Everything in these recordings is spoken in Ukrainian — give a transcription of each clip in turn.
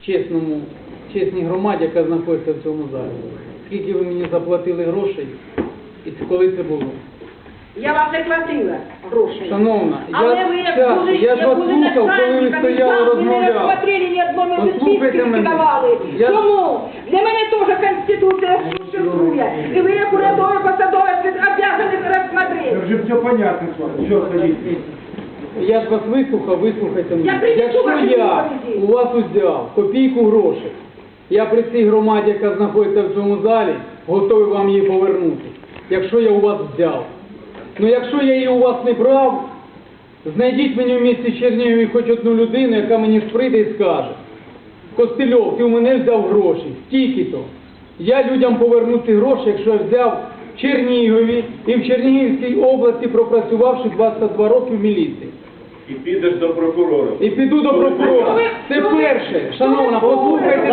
чесній громаді, яка знаходиться в цьому залі. Скільки ви мені заплатили грошей і коли це було? Я вам не платила грошей. Шановна, Але ви як були, я ж вас слухав, коли ви стояли, ви не розмовляли. розсмотрели ні одної Послухайте відписки мене. не давали. Я- Чому? Для мене теж Конституція существує. І ви як урядовий посадовець обязані розсмотрети. Вже все понятно, що ходить. Я ж вас вислухав, вислухайте мене. Я принесу Якщо ваші я відповіді. у вас узяв копійку грошей, я при цій громаді, яка знаходиться в цьому залі, готовий вам її повернути. Якщо я у вас взяв. Ну якщо я її у вас не брав, знайдіть мені в місті Чернігові хоч одну людину, яка мені прийде і скаже: Костельов, ти у мене взяв гроші, стільки-то. Я людям поверну ці гроші, якщо я взяв в Чернігові і в Чернігівській області, пропрацювавши 22 роки в міліції. І підеш до прокурора. І піду до прокурора. Це перше. Шановна, послухайте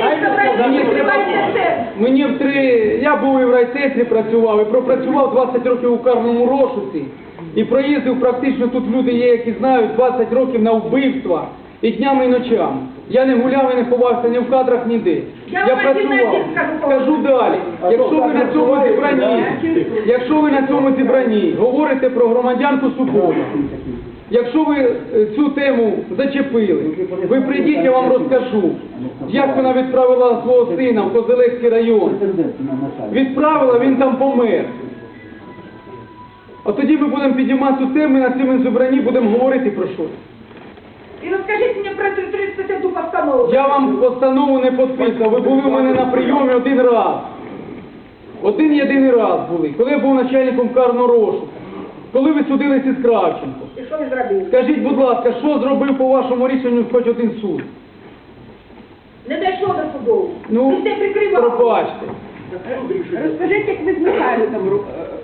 далі. Я був і в райцентрі працював, і пропрацював 20 років у карному розшуці. І проїздив практично, тут люди є, які знають, 20 років на вбивства. І днями, і ночами. Я не гуляв і не ховався ні в кадрах, ніде. Я вам працював. один Скажу далі. Якщо ви на цьому зібранні говорите про громадянку Супону, якщо ви цю тему зачепили, ви прийдіть, я вам розкажу, як вона відправила свого сина в Козелецький район. Відправила, він там помер. А тоді ми будемо підіймати цю тему, і на цьому зібранні будемо говорити про щось. І розкажіть мені про цю 31 постанову. Я вам постанову не підписав, ви були у мене на прийомі один раз. Один єдиний раз були, коли я був начальником карного розшуку. Коли ви судилися з Кравченко. І що ви зробили? Скажіть, будь ласка, що зробив по вашому рішенню хоч один суд? Не дійшло до суду. Ну, Ви все прикривали. пробачте. Розкажіть, як ви з Михайликом